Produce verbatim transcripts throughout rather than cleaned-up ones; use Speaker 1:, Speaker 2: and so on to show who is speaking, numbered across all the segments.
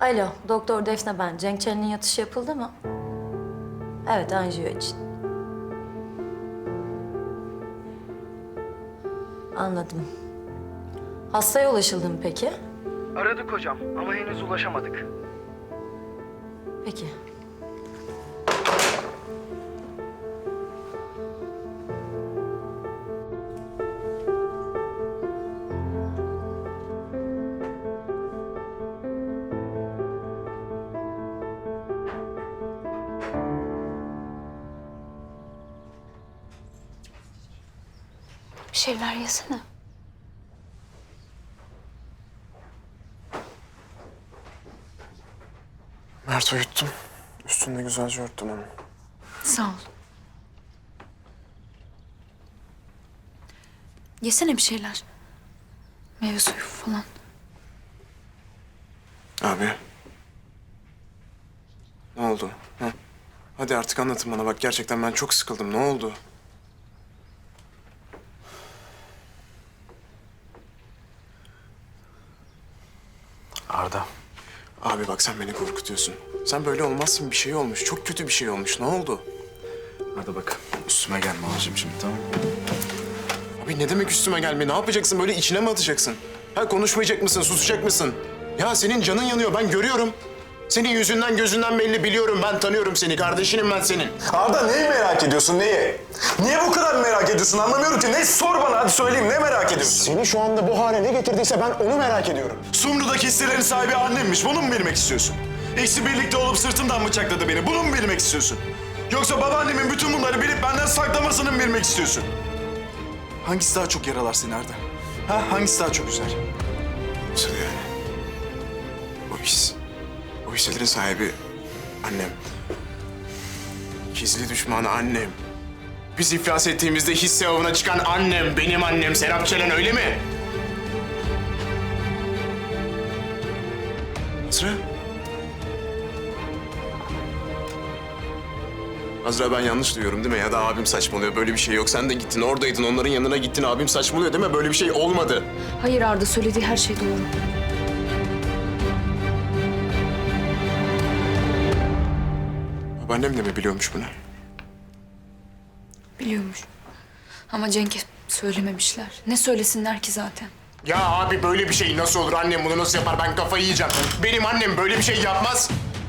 Speaker 1: Alo, Doktor Defne ben. Cenk Çelik'in yatışı yapıldı mı? Evet, anjiyo için. Anladım. Hastaya ulaşıldı mı peki?
Speaker 2: Aradık hocam ama henüz ulaşamadık.
Speaker 1: Peki.
Speaker 3: Bir şeyler yesene.
Speaker 4: Mert uyuttum. Üstünde güzelce örttüm onu.
Speaker 3: Sağ ol. Yesene bir şeyler. Meyve suyu falan.
Speaker 4: Abi. Ne oldu? Ha? Hadi artık anlatın bana. Bak gerçekten ben çok sıkıldım. Ne oldu?
Speaker 5: Arda.
Speaker 4: Abi bak sen beni korkutuyorsun. Sen böyle olmazsın. Bir şey olmuş. Çok kötü bir şey olmuş. Ne oldu?
Speaker 5: Arda bak üstüme gelme abicim şimdi, tamam mı?
Speaker 4: Abi ne demek üstüme gelme? Ne yapacaksın? Böyle içine mi atacaksın? Ha konuşmayacak mısın? Susacak mısın? Ya senin canın yanıyor. Ben görüyorum. Senin yüzünden gözünden belli, biliyorum. Ben tanıyorum seni. Kardeşinim ben senin.
Speaker 5: Arda neyi merak ediyorsun, neyi? Niye bu kadar merak ediyorsun anlamıyorum ki. Ne, sor bana hadi söyleyeyim, ne merak ediyorsun?
Speaker 6: Seni şu anda bu hale ne getirdiyse ben onu merak ediyorum.
Speaker 5: Sumru'daki hisselerin sahibi annemmiş, bunu mu bilmek istiyorsun? İkisi birlikte olup sırtımdan bıçakladı beni, bunu mu bilmek istiyorsun? Yoksa babaannemin bütün bunları bilip benden saklamasını mı bilmek istiyorsun? Hangisi daha çok yaralar seni Arda? Ha, hangisi daha çok üzer?
Speaker 4: Nasıl yani? O his, o hislerin sahibi annem. Gizli düşmanı annem. Biz iflas ettiğimizde hisse avına çıkan annem, benim annem Serap Çelen, öyle mi? Azra? Azra ben yanlış duyuyorum değil mi? Ya da abim saçmalıyor, böyle bir şey yok. Sen de gittin, oradaydın, onların yanına gittin. Abim saçmalıyor değil mi? Böyle bir şey olmadı.
Speaker 3: Hayır Arda, söylediği her şey doğru.
Speaker 4: Babaannem de mi biliyormuş bunu?
Speaker 3: Biliyormuş. Ama Cenk'e söylememişler. Ne söylesinler ki zaten?
Speaker 4: Ya abi böyle bir şey nasıl olur? Annem bunu nasıl yapar? Ben kafayı yiyeceğim. Benim annem böyle bir şey yapmaz.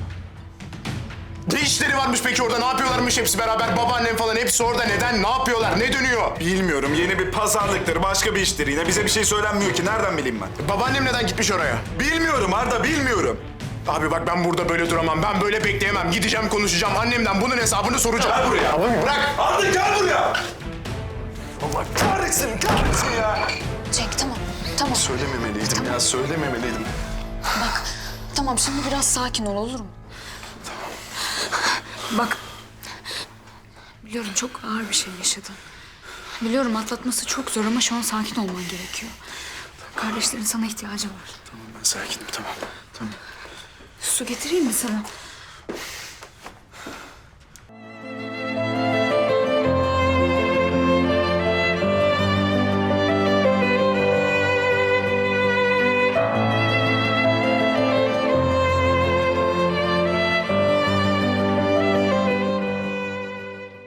Speaker 4: Ne işleri varmış peki orada? Ne yapıyorlarmış hepsi beraber? Babaannem falan hepsi orada. Neden? Ne yapıyorlar? Ne dönüyor?
Speaker 5: Bilmiyorum, yeni bir pazarlıktır, başka bir iştir. Yine bize bir şey söylenmiyor ki, nereden bileyim ben?
Speaker 4: Babaannem neden gitmiş oraya?
Speaker 5: Bilmiyorum Arda, bilmiyorum.
Speaker 4: Abi bak ben burada böyle duramam. Ben böyle bekleyemem. Gideceğim, konuşacağım. Annemden bunun hesabını soracağım.
Speaker 5: Gel buraya.
Speaker 4: Abi bırak.
Speaker 5: Arda gel buraya! Allah kahretsin, kahretsin ya!
Speaker 3: Cenk tamam, tamam.
Speaker 5: Söylememeliydim ya, söylememeliydim.
Speaker 3: Bak, tamam şimdi biraz sakin ol, olur mu? Bak, biliyorum çok ağır bir şey yaşadın. Biliyorum atlatması çok zor ama şu an sakin olman gerekiyor. Kardeşlerin sana ihtiyacı var.
Speaker 5: Tamam, ben sakinim, tamam. Tamam.
Speaker 3: Su getireyim mi sana?